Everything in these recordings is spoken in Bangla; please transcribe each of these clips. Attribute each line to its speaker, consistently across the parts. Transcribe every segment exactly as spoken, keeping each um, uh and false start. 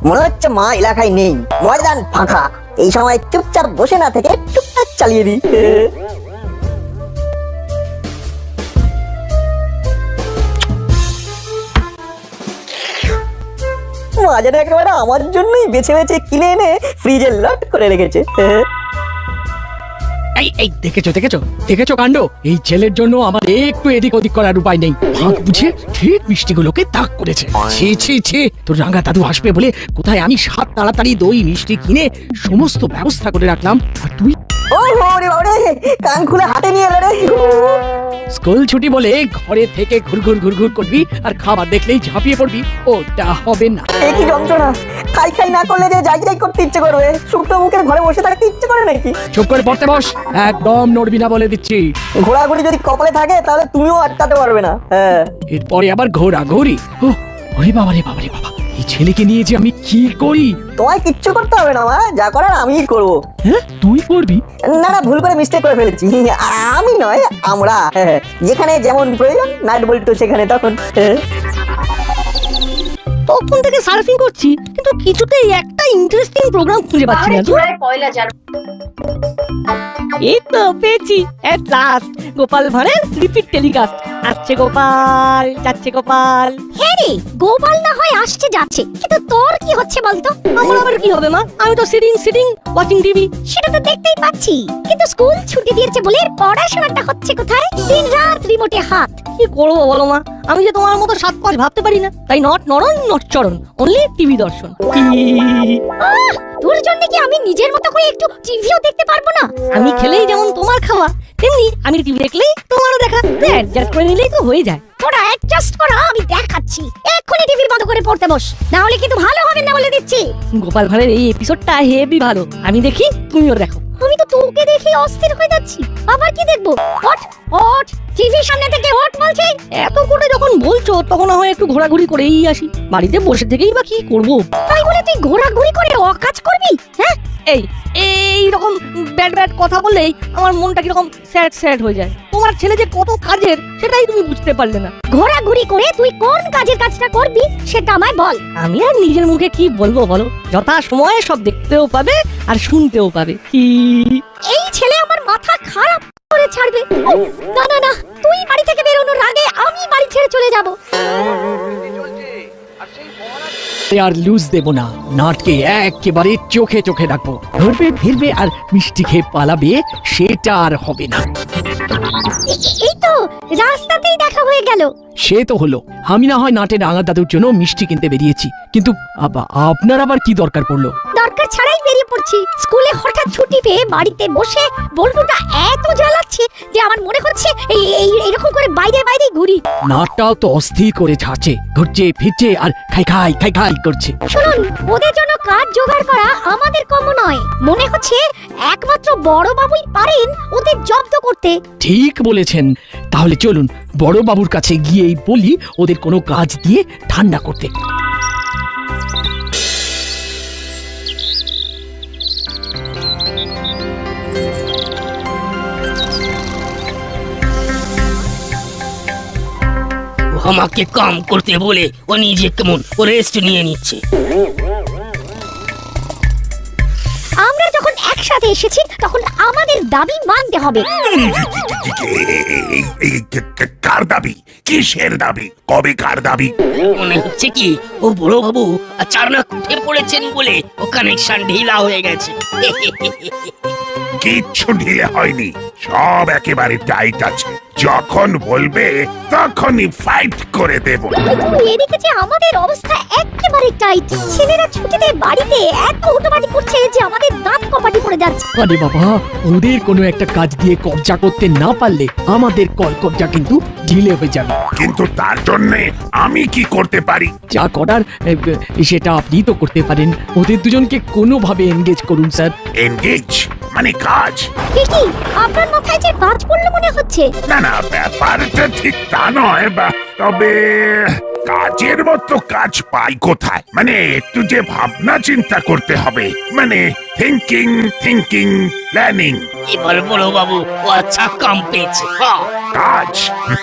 Speaker 1: মনে হচ্ছে মা এলাকায় নেই, ময়দান ফাঁকা। এই সময় চুপচাপ বসে না থেকে টুকটাক চালিয়ে দিই। মা যেন একেবারে আমার জন্যই বেছে বেছে কিনে এনে ফ্রিজে লট করে রেখেছে।
Speaker 2: এই এই দেখেছো দেখেছো দেখেছো কাণ্ড। এই ছেলের জন্য আমার একটু এদিক ওদিক করার উপায় নেই। ভাগ বুঝে ঠিক মিষ্টিগুলোকে তাক করেছে। ছি ছি ছি, তোর রাঙা দাদু আসবে বলে কোথায় আমি সাত তাড়াতাড়ি দই মিষ্টি কিনে সমস্ত ব্যবস্থা করে রাখলাম, আর তুই
Speaker 1: ও রে বাবারে, কান খুলে হাতে নিয়ে এলো রে।
Speaker 2: স্কুল ছুটি বলে ঘরে থেকে ঘুরঘুর ঘুরঘুর করবি আর খাবার দেখলেই ঝাঁপিয়ে পড়বি, ওটা হবে না।
Speaker 1: এ কি যন্ত্রণা! খাই খাই না করলে যে যাই যাই করতে ইচ্ছে করবে, শুকনো মুখের ঘরে বসে থাকতে ইচ্ছে করে নাকি?
Speaker 2: চুপ করে পড়তে বস, একদম নড়বি না বলে দিচ্ছি।
Speaker 1: ঘোরাঘুরি যদি কপালে থাকে তাহলে তুমিও আটকাতে পারবে না। হ্যাঁ,
Speaker 2: এরপরে আবার ঘোরাঘুরি। ও ওরে বাবা রে বাবা রে বাবা, এই ছেলেকে নিয়ে যে আমি কি করি।
Speaker 1: তোমায় কিচ্ছু করতে হবে না মা, যা করার আমিই করবো।
Speaker 2: হ্যাঁ তুই করবি?
Speaker 1: না না, ভুল করে মিস্টেক করে ফেলেছি। আমি নয়, আমরা। হ্যাঁ, যেখানে যেমন প্রয়োজন নাট বল্টু সেখানে তখন। হ্যাঁ।
Speaker 3: তখন থেকে সার্ফিং করছি, কিন্তু কিছুতেই একটা ইন্টারেস্টিং প্রোগ্রাম খুঁজে পাচ্ছি না। এই তো পেয়েছি, এট লাস্ট গোপাল ভাঁড়ের রিপিট টেলিকাস্ট। আসছে গোপাল, যাচ্ছে গোপাল।
Speaker 4: হ্যাঁ রে, গোপাল না হয় আসছে যাচ্ছে, কিন্তু তোর কি হচ্ছে বলতো?
Speaker 3: আমার আবার কি হবে মা, আমি তো সিটিং সিটিং ওয়াচিং টিভি।
Speaker 4: সেটা তো দেখতেই পাচ্ছি, কিন্তু স্কুল ছুটি দিয়েছে বলে পড়াশোনাটা হচ্ছে কোথায়? দিন রাত রিমোটে হাত।
Speaker 3: কি করবো বলো মা, আমি যে তোমার মতো সাত পাঁচ ভাবতে পারি না, তাই নট নরন নট চরণ, অনলি টিভি দর্শন।
Speaker 4: আহ, তোর জন্য কি আমি নিজের মতো করে একটু টিভিও দেখতে পারবো না?
Speaker 3: আমি খেলেই যেমন তোমার খাওয়া, তেমনি আমি টিভি দেখলেই তোমারও দেখা। অ্যাডজাস্ট করে নিলেই তো হয়ে যায়।
Speaker 4: তোরা অ্যাডজাস্ট করা আমি দেখাচ্ছি। এক্ষুনি টিভি বন্ধ করে পড়তে বস, না হলে কিন্তু ভালো হবে না বলে দিচ্ছি।
Speaker 3: গোপাল ভাঁড়ের এই এপিসোডটা হেভি ভালো, আমি দেখি তুমিও দেখো।
Speaker 4: আমি তো তোকে দেখে অস্থির হয়ে যাচ্ছি, আবার কি দেখবো? ওঠ ওঠ, টিভির সামনে থেকে ওঠ বলছি।
Speaker 3: এত করে যখন বলছো তখন হয় একটু ঘোরাঘুরি করেই আসি, বাড়িতে বসে থেকেই বা কি করবো।
Speaker 4: তাই বলে তুই ঘোরাঘুরি করে অকাজ করবি? হ্যাঁ,
Speaker 3: এই এই রকম ব্যাড ব্যাড কথা বললেই আমার মনটা কিরকম স্যাড স্যাড হয়ে যায়। তোমার ছেলে যে কত কাজের সেটাই তুমি বুঝতে পারলে না।
Speaker 4: ঘোরাঘুরি করে তুই কোন কাজের কাজটা করবি সেটা আমায় বল।
Speaker 3: আমি আর নিজের মুখে কি বলবো বলো, যথা সময়ে সব দেখতেও পাবে আর শুনতেও পাবে। কি
Speaker 4: এই ছেলে আমার মাথা খারাপ করে ছাড়বে। উফ, না না না, তুই বাড়ি থেকে বেরোনোর আগে আমি বাড়ি ছেড়ে চলে যাব।
Speaker 2: আর লুজ দেব না, নাটকে একেবারে চোখে চোখে রাখবো। ধরবে ফিরবে আর মিষ্টি খেয়ে পালাবে, সেটা আর হবে না।
Speaker 4: এ- এই তো রাস্তাতেই দেখা হয়ে গেল।
Speaker 2: সে তো হলো, আমি না হয় নাটের রাঙা দাদুর জন্য মিষ্টি কিনতে বেরিয়েছি, কিন্তু আবা- আপনার আবার কি দরকার পড়লো?
Speaker 4: দরকার ছাড়াই বেরিয়ে পড়ছি। স্কুলে হঠাৎ ছুটি পেয়ে বাড়িতে বসে বল্টুটা এত জ্বালাচ্ছে যে আমার মনে হচ্ছে এই এই- এরকম করে বাইরে বাইরে ঘুরি।
Speaker 2: নাটটাও তো অস্থির করে ছাড়ছে, ঘুরছে ফিরছে আর খাই খাই খাই খাই করছে।
Speaker 4: শুনুন, ওদের জন্য কাজ জোগাড় করা আমাদের কম নয়। মনে হচ্ছে একমাত্র বড় বাবুই পারেন ওদের জব্দ করতে।
Speaker 2: ঠিক বলেছেন, তাহলে চলুন বড় বাবুর কাছে গিয়েই বলি ওদের কোনো কাজ দিয়ে ঠান্ডা করতে।
Speaker 5: আমাকে কাম করতে বলে ও নিজে কেমন ও রেস্ট নিয়ে নিচ্ছে।
Speaker 4: আমরা যখন একসাথে এসেছি তখন আমাদের দাবি মানতে হবে।
Speaker 6: কার দাবি? কিসের দাবি? কবে কার দাবি?
Speaker 5: মনে হচ্ছে কি ও বড় বাবু চারনাক উঠে পড়েছেন বলে ও কানেকশন ঢিলা হয়ে গেছে।
Speaker 6: কিচ্ছু ঢিলে হয়নি, সব একেবারে টাইট আছে। যখন বলবে তখনই ফাইট করে দেব।
Speaker 4: কিন্তু এদিকে যে আমাদের অবস্থা একেবারে টাইট। ছেলেরা ছুটিতে বাড়িতে এত উটোপাটি করছে যে আমাদের দাঁত কপাটি পড়ে যাচ্ছে।
Speaker 2: আরে বাবা, ওদের কোনো একটা কাজ দিয়ে কবজা করতে না পারলে আমাদের কল কবজা কিন্তু ঢিলে হয়ে যাবে।
Speaker 6: কিন্তু তার জন্য আমি কি করতে পারি?
Speaker 2: যা করার এ, সেটা আপনি তো করতে পারেন। ওদের দুজনকে কোনোভাবে এনগেজ করুন স্যার।
Speaker 6: এনগেজ মানে কাজ?
Speaker 4: কি আপনার মাথায় যে বাজ পড়লো মনে হচ্ছে?
Speaker 6: না না, ব্যাপারটা ঠিক তা নয়, বা তবে কাজের মতো কাজ পাই কোথায়? মানে একটু যে ভাবনা চিন্তা করতে হবে, মানে থিঙ্কিং থিঙ্কিং প্ল্যানিং।
Speaker 5: এবার বড় বাবু ও আচ্ছা কাম পেয়েছে। হ্যাঁ,
Speaker 6: কাজ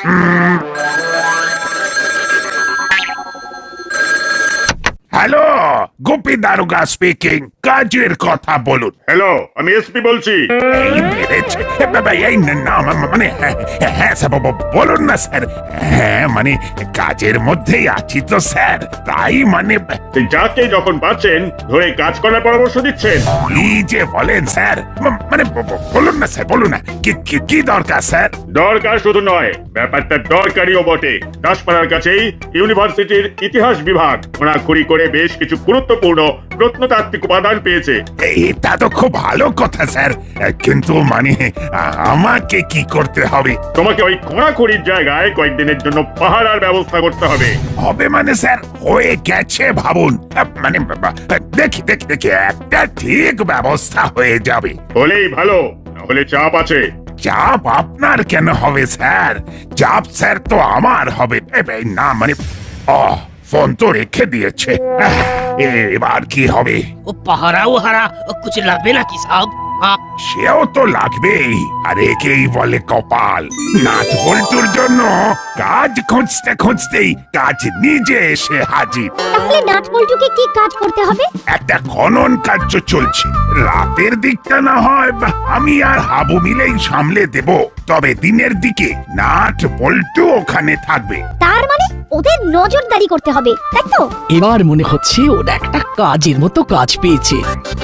Speaker 6: হ্যালো গোপী দারোগা স্পিকিং, কাজের কথা বলুন।
Speaker 7: হ্যালো, আমি এসপি বলছি।
Speaker 6: এই বেড়েছে বাবা, এই না মা- মানে হ্যাঁ হ্যাঁ, স্যার ব- ব- বলুন না স্যার। হ্যাঁ মানে কাজের মধ্যেই আছি তো স্যার, তাই মানে
Speaker 7: সেই যাকে যখন পাচ্ছেন ধরে কাজ করার পরামর্শ দিচ্ছেন।
Speaker 6: কি যে বলেন স্যার, ম- মানে ব- ব- বলুন না স্যার, বলুন না কি কি- কি দরকার স্যার?
Speaker 7: দরকার শুধু নয়, ব্যাপারটা দরকারিও বটে। দাসপাড়ার কাছেই ইউনিভার্সিটির ইতিহাস বিভাগ খোঁড়াখুড়ি করে বেশ কিছু গুরুত্বপূর্ণ প্রত্নতাত্ত্বিক উপাদান পেয়েছে।
Speaker 6: এটা তো খুব ভালো কথা স্যার, কিন্তু মানে আ- আমাকে কি করতে হবে?
Speaker 7: তোমাকে ওই খোঁড়াখুড়ির জায়গায় কয়েকদিনের জন্য পাহারার ব্যবস্থা করতে হবে।
Speaker 6: হবে মানে স্যার হয়ে গেছে ভাবুন। আ, মানে বাবা, দেখি দেখি দেখি একটা ঠিক ব্যবস্থা হয়ে যাবে।
Speaker 7: হলেই ভালো, না হলে চাপ আছে।
Speaker 6: চাপ আপনার কেন হবে স্যার? চাপ স্যার তো আমার হবে। এ, এ, না মানে ও ফোন তো রেখে দিয়েছে। আহ, এবার কি হবে?
Speaker 5: ও পাহারাও হারা কুছ লাগবে নাকি সাহেব? হ্যাঁ,
Speaker 6: সেও তো লাগবেই, আর একেই বলে কপাল। নাচ বল্টুর জন্য কাজ খুঁজতে খুঁজতেই কাজ নিজে এসে হাজির।
Speaker 4: তাহলে নাট বল্টুকে কি কাজ করতে হবে?
Speaker 6: একটা খনন কার্য চলছে। রাতের দিকটা না হয় বা আমি আর হাবু মিলেই সামলে দেব, তবে দিনের দিকে নাট বল্টু ওখানে থাকবে।
Speaker 4: তার মানে ওদের নজরদারি করতে হবে, তাই তো?
Speaker 2: এবার মনে হচ্ছে ওরা একটা কাজের মতো কাজ পেয়েছে।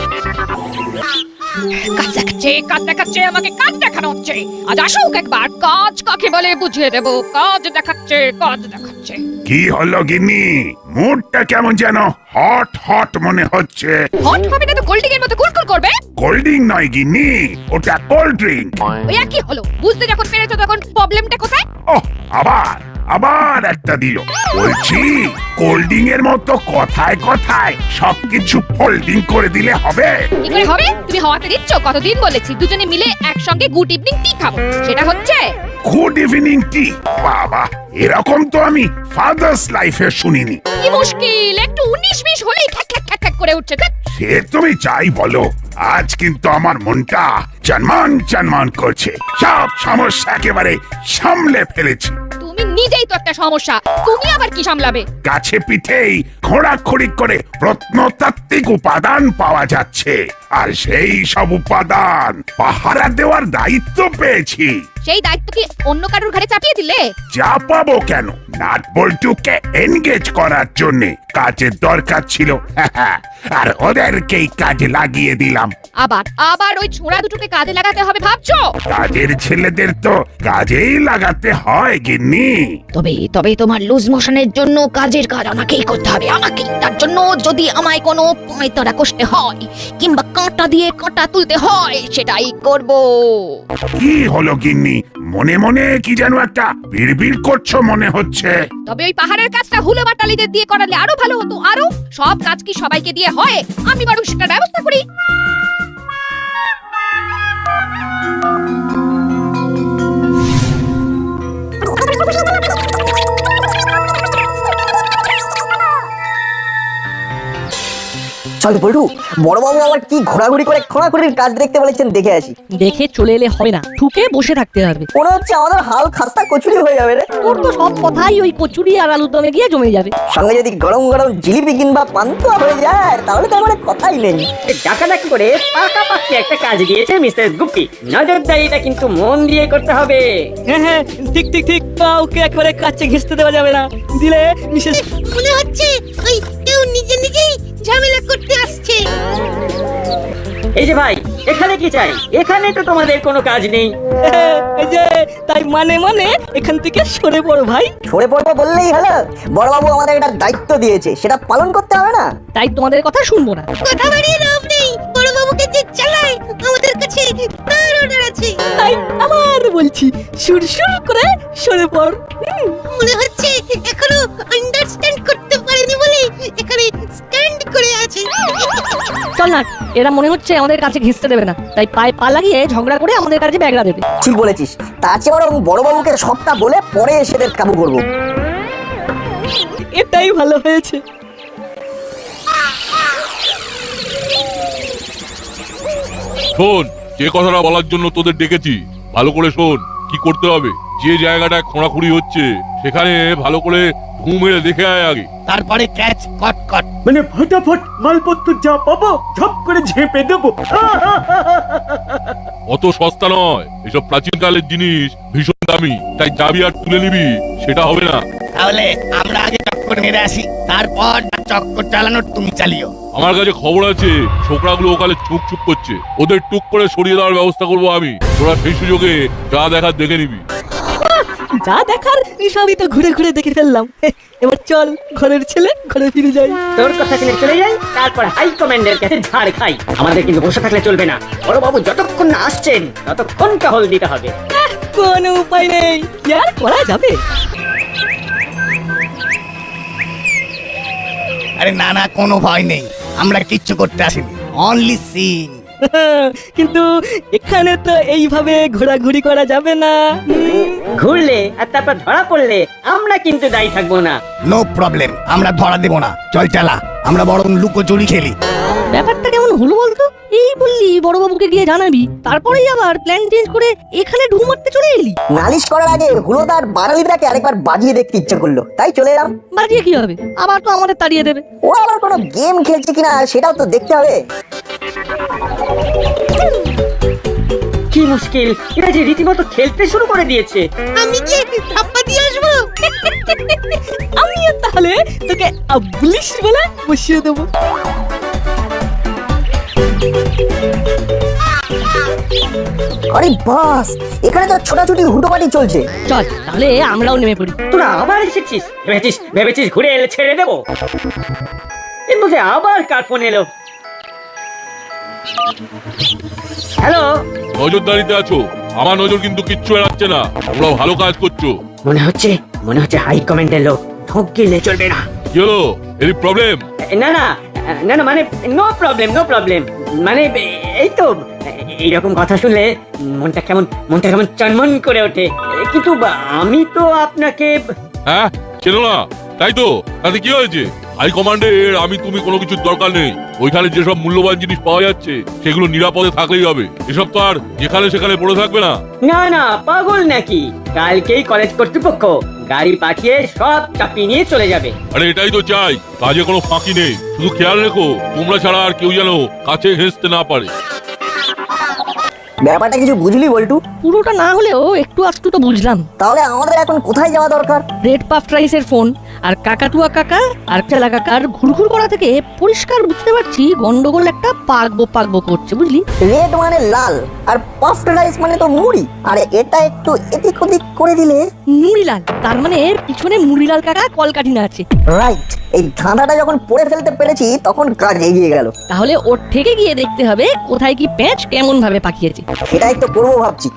Speaker 8: কাজ দেখাচ্ছে কাজ দেখাচ্ছে আমাকে কাজ দেখানো হচ্ছে। আজ আসুক একবার, কাজ কাকে বলে বুঝিয়ে দেবো। কাজ দেখাচ্ছে কাজ দেখাচ্ছে।
Speaker 6: কি হলো গিন্নি, মুডটা কেমন যেন হট হট মনে হচ্ছে?
Speaker 8: হট হবে না তো কোল্ডিং এর মতো কুলকুল করবে।
Speaker 6: কোল্ড ড্রিঙ্ক নয় গিন্নি, ওটা কোল্ড ড্রিঙ্ক।
Speaker 8: ওই একই হলো, বুঝতে যখন পেরেছো তখন প্রবলেমটা কোথায়?
Speaker 6: ওহ, আবার আবার একটা দিল। বলছি কোল্ড ড্রিঙ্ক এর মতো কথায় কথায় সবকিছু ফোল্ডিং করে দিলে হবে?
Speaker 8: কি করে হবে? তুমি হওয়াতে দিচ্ছ। কতদিন বলেছি দুজনে মিলে একসঙ্গে গুড ইভিনিং টি খাবো, সেটা হচ্ছে?
Speaker 6: Good evening tea? বাবা, এরকম তো আমি ফাদার্স লাইফে শুনিনি।
Speaker 8: কি মুশকিল, একটু উনিশ বিশ হলেই খ্যাক খ্যাক খ্যাক খ্যাক করে উঠছে। ধ্যাৎ।
Speaker 6: সে তুমি চাই বলো, আজ কিন্তু আমার মনটা চনমান চনমান করছে। সব সমস্যা একেবারে সামলে ফেলেছি।
Speaker 8: তুমি নিজেই তো একটা সমস্যা, তুমি আবার কি সামলাবে?
Speaker 6: কাছে পিঠেই খোঁড়াখড়ি করে প্রত্নতাত্ত্বিক উপাদান পাওয়া যাচ্ছে, আর সেই সব উপাদান পাহারা দেওয়ার দায়িত্ব পেয়েছি।
Speaker 8: সেই দায়িত্ব কি অন্য কারোর ঘাড়ে চাপিয়ে দিলে?
Speaker 6: যা পাবো কেন, নাট বল্টুকে এনগেজ করার জন্য কাজের দরকার ছিল, আর ওদেরকেই কাজে লাগিয়ে দিলাম।
Speaker 8: আবার আবার ওই ছোঁড়া দুটোকে কাজে লাগাতে হবে ভাবছো?
Speaker 6: কাজের ছেলেদের তো কাজেই লাগাতে হয় গিন্নি।
Speaker 3: তবে তবে তোমার লুজ মোশনের জন্য কাজের কাজ আমাকেই করতে হবে, আমাকেই। তার জন্য যদি আমায় কোনো পয়তারা কষতে হয় কিংবা কাঁটা দিয়ে কাঁটা তুলতে হয়, সেটাই করব।
Speaker 6: কি হলো গিন্নি, মনে মনে কি যেন একটা বিড়বিড় করছো মনে হচ্ছে।
Speaker 8: তবে ওই পাহাড়ের কাজটা হুলো বাটালিদের দিয়ে করালে আরো ভালো হতো। আরো সব কাজ কি সবাইকে দিয়ে হয়? আমি বরং সেটার ব্যবস্থা করি।
Speaker 1: চল বল্টু, বড়বাবু আবার কি ঘোরাঘুরি করে খোঁড়াখুড়ির কাজ দেখতে বলেছেন, দেখে আসি।
Speaker 3: দেখে চলে এলে হবে না, ঠুকে বসে থাকতে হবে।
Speaker 1: মনে হচ্ছে আমাদের হাল খাস্তা কচুরি হয়ে যাবে রে।
Speaker 3: তোর তো সব কথাই ওই কচুরি আর আলুর দমে গিয়ে জমে যাবে।
Speaker 1: সঙ্গে যদি গরম গরম জিলিপি কিংবা পান্তুয়া হয়ে যায় তাহলে তো আমার কথাই নেই।
Speaker 9: ডাকাডাকি করে পাকাপাকি একটা কাজ দিয়েছে মিস্টার গুপ্তি। নজরদারিটা কিন্তু মন দিয়ে করতে হবে। হ্যাঁ হ্যাঁ, ঠিক ঠিক ঠিক। কাউকে একবারে কাছে ঘেঁষতে দেওয়া যাবে না, দিলে বিশেষ।
Speaker 4: মনে হচ্ছে ওই কেউ নিজে নিজেই ঝামেলা করতে আসছে।
Speaker 9: এই যে ভাই, এখানে কি চাই? এখানে তো তোমাদের কোনো কাজ নেই। এই যে তাই মানে মানে এখান থেকে সরে পড়ো ভাই।
Speaker 1: সরে পড়বো বললেই হলো? বড়বাবু আমাদের একটা দায়িত্ব দিয়েছে, সেটা পালন করতে হবে না?
Speaker 3: তাই তোমাদের কথা শুনবো না।
Speaker 4: কথা বাড়িয়ে লাভ নেই, বড় বাবুকে যে চালায় আমাদের কাছে তার অর্ডার আছে।
Speaker 9: তাই আবার বলছি, সুরসুর করে সরে পড়।
Speaker 4: মনে হচ্ছে এখনো আন্ডারস্ট্যান্ড করতে পারেনি বলে এখানে স্ট্যান্ড করে আছে।
Speaker 3: চল না, এরা মনে হচ্ছে আমাদের কাছে ঘেঁচতে দেবে না, তাই পায়ে পা লাগিয়ে ঝগড়া করে আমাদের কাছে ব্যাগরা দেবে।
Speaker 1: ঠিক বলেছিস, তার চেয়ে বরং বড়বাবুকে সবটা বলে পরে এসে কাবু করবো।
Speaker 9: এটাই ভালো হয়েছে।
Speaker 10: শোন, যে কথাটা বলার জন্য তোদের ডেকেছি, ভালো করে শোন। কি করতে হবে, যে জায়গাটায় খোঁড়াখুড়ি হচ্ছে সেখানে ভালো করে ঘুম মেরে দেখে আয় আগে।
Speaker 5: তারপরে ক্যাচ কট কট।
Speaker 9: মানে ফটাফট মালপত্র যা পাবো ঝপ করে ঝেপে দেবো।
Speaker 10: অত সস্তা নয়, এসব প্রাচীনকালের জিনিস ভীষণ দামি, তাই যাবি আর তুলে নিবি সেটা হবে না।
Speaker 5: তাহলে আমরা আগে চক্কর মেরে আসি, তারপর চক্কর চালানোর তুমি চালিও।
Speaker 10: আমার কাছে খবর আছে ছোকরাগুলো ওখানে চুপ চুপ করছে, ওদের টুক করে সরিয়ে দেওয়ার ব্যবস্থা করবো আমি। তোরা সেই সুযোগে যা দেখার দেখে নিবি।
Speaker 9: যা দেখার সবই তো ঘুরে ঘুরে দেখে ফেললাম, এবার চল ঘরের ছেলে ঘরে ফিরে যাই। তোর কথা শুনে চলে যাই, তারপর হাই কমান্ডের কাছে ঝাড় খাই। আমাদের কিন্তু বসে থাকলে চলবে না, বড় বাবু যতক্ষণ না আসছেন ততক্ষণ টহল দিতে হবে। কোনো উপায় নেই, কি আর করা যাবে।
Speaker 5: আরে না না, কোনো ভয় নেই, আমরা কিচ্ছু করতে আসিনি, অনলি সিন।
Speaker 9: কিন্তু এখানে তো এইভাবে ঘোরাঘুরি করা যাবে না। ঘুরলে আর তারপর ধরা পড়লে আমরা কিন্তু দায়ী থাকবো না।
Speaker 5: নো প্রবলেম, আমরা ধরা দেব না, চল চালা, আমরা বরং লুকোচুরি খেলি।
Speaker 9: ব্যাপারটা কেমন হলো বলতো? এই বললি বড়বাবুকে গিয়ে জানাবি, তারপরেই আবার প্ল্যান চেঞ্জ করে এখানে ঢু মারতে চলে এলি।
Speaker 1: নালিশ করার আগে হুলোদার বাঙালিটাকে আরেকবার বাজিয়ে দেখতে ইচ্ছে করলো, তাই চলে এলাম।
Speaker 9: বাজিয়ে কি হবে, আবার তো আমাদের তাড়িয়ে দেবে।
Speaker 1: ও আবার কোনো গেম খেলছে কিনা সেটাও তো দেখতে হবে।
Speaker 9: কি মুশকিল, এরা যে রীতিমতো খেলতে শুরু করে দিয়েছে।
Speaker 3: আমি কি ধাপ্পা দিয়ে আসবো?
Speaker 9: আমিও তাহলে তোকে আবলিশ বলে বসিয়ে দেবো।
Speaker 1: আরে বাস, এখানে তো ছোটাছুটি হুটোপাটি চলছে।
Speaker 9: চল তাহলে আমরাও নেমে পড়ি। তোরা আবার এসেছিস, ভেবেছিস ভেবেছিস ঘুরে এলে ছেড়ে দেবো? এর মধ্যে আবার কার ফোন এলো? হ্যালো,
Speaker 10: নজরদারিতে আছো, আমার নজর কিন্তু কিচ্ছু এড়াচ্ছে না, তোমরা ভালো কাজ করছো।
Speaker 9: মনে হচ্ছে মনে হচ্ছে হাই কমান্ডের লোক, ঢোক গেলে চলবে না।
Speaker 10: কি হলো, এর প্রবলেম?
Speaker 9: না না না না, মানে নো প্রবলেম নো প্রবলেম, মানে এই তো এইরকম কথা শুনলে মনটা কেমন মনটা কেমন চনমন করে ওঠে। কিন্তু আমি তো আপনাকে
Speaker 10: হ্যাঁ চেনো না, তাই তো, তাতে কি হয়েছে? হাই কমান্ডের আমি তুমি কোনো কিছুর দরকার নেই, ওইখানে যেসব মূল্যবান জিনিস পাওয়া যাচ্ছে সেগুলো নিরাপদে থাকলেই হবে, এসব তো আর যেখানে সেখানে পড়ে থাকবে না।
Speaker 9: না না, পাগল নাকি? কালকেই কলেজ কর্তৃপক্ষ গাড়ি পাঠিয়ে সব চাপিয়ে নিয়ে চলে যাবে।
Speaker 10: আরে এটাই তো চাই, কাজে কোনো ফাঁকি নেই, শুধু খেয়াল রেখো তোমরা ছাড়া আর কেউ যেন কাছে ঘেঁষতে না পারে।
Speaker 1: ব্যাপারটা কিছু বুঝলি বল্টু?
Speaker 9: পুরোটা না হলেও একটু আধটু তো বুঝলাম।
Speaker 1: তাহলে আমাদের এখন কোথায় যাওয়া দরকার?
Speaker 9: রেড পাফ রাইসের ফোন আর কাকাটুয়া কাকা আর চেলা কাকার ঘুরঘুর করা থেকে পরিষ্কার বুঝতে পারছি গন্ডগোল একটা পাকবো পাকবো করছে, বুঝলি?
Speaker 1: রেড মানে লাল আর পাফড রাইস মানে তো মুড়ি, আর এটা একটু এদিক ওদিক করে দিলে
Speaker 9: মুড়িলাল, তার মানে পিছনে মুড়িলাল কাকা কলকাঠিনা আছে।
Speaker 1: রাইট, এই ধাঁধাটা যখন পড়ে ফেলতে পেরেছি তখন কাজ এগিয়ে গেল।
Speaker 9: তাহলে ওর থেকে গিয়ে দেখতে হবে কোথায় কি প্যাঁচ কেমন ভাবে পাকিয়েছে।
Speaker 1: সেটাই তো করবো ভাবছি।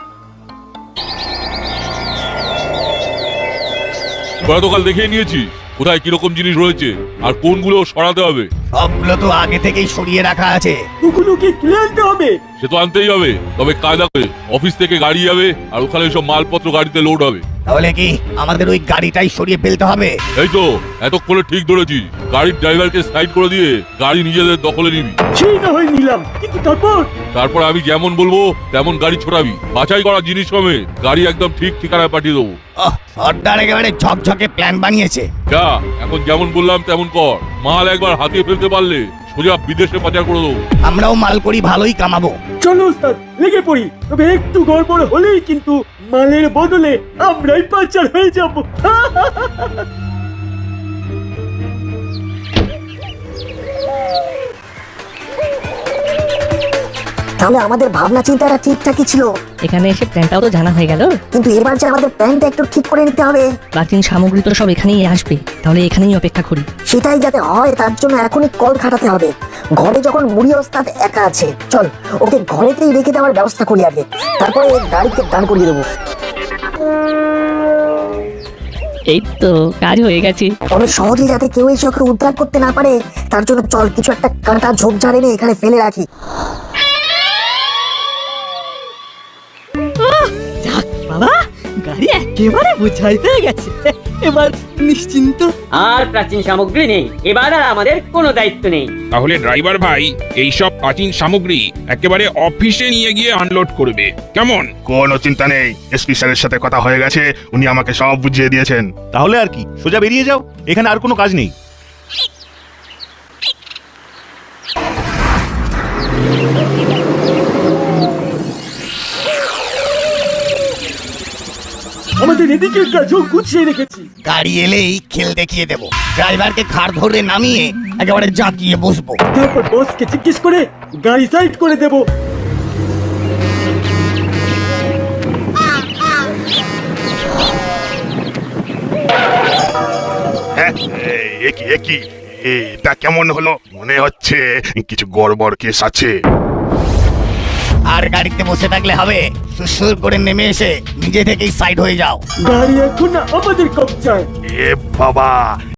Speaker 10: ওরা তো কাল দেখিয়ে নিয়েছি কোথায় কিরকম জিনিস রয়েছে আর কোনগুলো সরাতে হবে।
Speaker 5: সবগুলো তো আগে থেকেই সরিয়ে রাখা আছে।
Speaker 9: ওগুলো কি তুলে আনতে হবে?
Speaker 10: সে তো আনতেই হবে, তবে কায়দা করে অফিস থেকে গাড়ি যাবে আর ওখানে সব মালপত্র গাড়িতে লোড হবে।
Speaker 5: তাহলে কি আমাদের ওই গাড়িটাই সরিয়ে ফেলতে হবে?
Speaker 10: এই তো এতক্ষণে ঠিক ধরেছি, গাড়ির ড্রাইভারকে সাইড করে দিয়ে গাড়ি নিজেদের দখলে নিবি।
Speaker 9: সেই না হয় নিলাম, কিন্তু তারপর
Speaker 10: তারপর আমি যেমন বলবো তেমন গাড়ি ছোড়াবি, বাছাই করা জিনিস কমে গাড়ি একদম ঠিক ঠিকানায় পাঠিয়ে দেবো।
Speaker 5: আহ, সর্দার একেবারে ঝকঝকে প্ল্যান বানিয়েছে।
Speaker 10: যা, এখন যেমন বললাম তেমন কর, মাল একবার হাতিয়ে ফেলতে পারলে সোজা বিদেশে পাচার করে দেবো।
Speaker 5: আমরাও মাল করি ভালোই কামাবো।
Speaker 9: চলো ওস্তাদ, লেগে পড়ি। তবে একটু গড়বড় হলেই কিন্তু মালের বদলে আমরাই পাচার হয়ে যাব।
Speaker 1: তাহলে আমাদের ভাবনা চিন্তাটা ঠিকঠাকই ছিল।
Speaker 9: এখানে এসে প্ল্যানটাও তো জানা হয়ে গেল,
Speaker 1: কিন্তু এবার যে আমাদের প্ল্যানটা একটু ঠিক করে নিতে হবে।
Speaker 9: প্রাচীন সামগ্রী তো সব এখানেই আসবে, তাহলে এখানেই অপেক্ষা করি।
Speaker 1: সেটাই যাতে হয় তার জন্য এখনই কল খাটাতে হবে। ঘরে যখন মুড়ি ওস্তাদ একা আছে, চল ওকে ঘরেতেই রেখে দেওয়ার ব্যবস্থা করি আগে, তারপরে গাড়িতে দান করিয়ে দেবো।
Speaker 9: এই তো কাজ হয়ে গেছে।
Speaker 1: তবে সহজে যাতে কেউ এসে ওকে উদ্ধার করতে না পারে তার জন্য চল কিছু একটা কাঁটা ঝোপঝাড় এনে এখানে ফেলে রাখি।
Speaker 9: যাক বাবা, গাড়ি একেবারে বোঝাই হয়ে গেছে এবার নিশ্চিন্ত। আর প্রাচীন সামগ্রী নেই, এবার আর আমাদের কোনো দায়িত্ব নেই।
Speaker 11: তাহলে ড্রাইভার ভাই এই সব প্রাচীন সামগ্রী একেবারে অফিসে নিয়ে গিয়ে আনলোড করবে, কেমন?
Speaker 12: কোনো চিন্তা নেই, এসপি স্যারের সাথে কথা হয়ে গেছে, উনি আমাকে সব বুঝিয়ে দিয়েছেন।
Speaker 13: তাহলে আর কি, সোজা বেরিয়ে যাও, এখানে আর কোনো কাজ নেই।
Speaker 9: আমাদের এদিকের কাজও গুছিয়ে রেখেছি।
Speaker 5: গাড়ি এলেই খেল দেখিয়ে দেবো, ড্রাইভারকে ঘাড় ধরে নামিয়ে একেবারে জাঁকিয়ে বসবো।
Speaker 9: তারপর বসকে জিজ্ঞেস করে গাড়ি সাইড করে দেবো।
Speaker 12: হ্যাঁ, এ কি এ কি এটা কেমন হলো? মনে হচ্ছে কিছু গড়বড় কেস আছে।
Speaker 5: আর গাড়িতে বসে থাকলে হবে, সুসুর করে নেমে এসে নিজে থেকেই সাইড হয়ে যাও।
Speaker 9: গাড়ি এখন আমাদের কবজায়।
Speaker 12: এ বাবা,